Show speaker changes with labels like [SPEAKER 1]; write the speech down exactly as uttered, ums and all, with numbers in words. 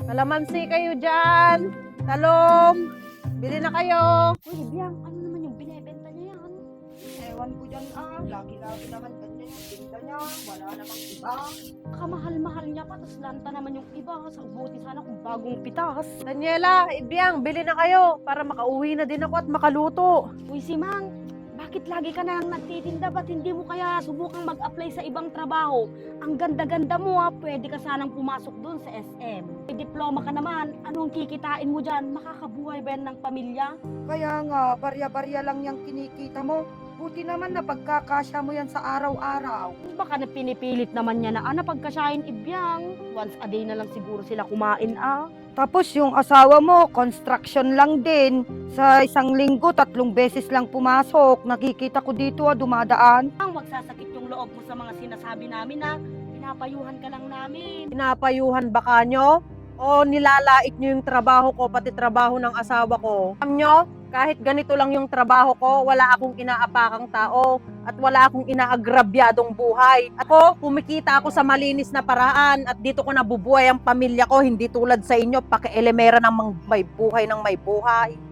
[SPEAKER 1] Kalamansi kayo dyan. Talong. Bili na kayo.
[SPEAKER 2] Uy, Biang, ano naman yung binebenta niya yan?
[SPEAKER 3] Ewan ko dyan ah, lagi-lagi naman ganyan yung tinda niya, wala namang iba.
[SPEAKER 2] Kamahal-mahal niya pa, tapos lanta naman yung iba. Sa buti sana kung bagong pitas.
[SPEAKER 1] Daniela, Ibiang, bili na kayo para makauwi na din ako at makaluto.
[SPEAKER 2] Uy, si Mang, bakit lagi ka na lang nagtitinda? Ba't hindi mo kaya subukang mag-apply sa ibang trabaho? Ang ganda-ganda mo ha, pwede ka sanang pumasok doon sa S M. May diploma ka naman, anong kikitain mo dyan? Makakabuhay ba yan ng pamilya?
[SPEAKER 3] Kaya nga, barya-barya lang yung kinikita mo. Buti naman na pagkakasya mo yan sa araw-araw.
[SPEAKER 2] Baka na pinipilit naman niya na, ah, napagkasyahin Ibyang. Once a day na lang siguro sila kumain ah.
[SPEAKER 3] Tapos yung asawa mo, construction lang din. Sa isang linggo, tatlong beses lang pumasok. Nakikita ko dito ah, dumadaan.
[SPEAKER 2] Ang magsasakit yung loob mo sa mga sinasabi namin na pinapayuhan ka lang namin.
[SPEAKER 1] Pinapayuhan ba kanyo? O nilalait nyo yung trabaho ko, pati trabaho ng asawa ko? Alam nyo, kahit ganito lang yung trabaho ko, wala akong inaapakang tao at wala akong inaagrabyadong buhay. Ako, kumikita ako sa malinis na paraan at dito ko nabubuhay ang pamilya ko, hindi tulad sa inyo, paki-elemera ng may buhay ng may buhay.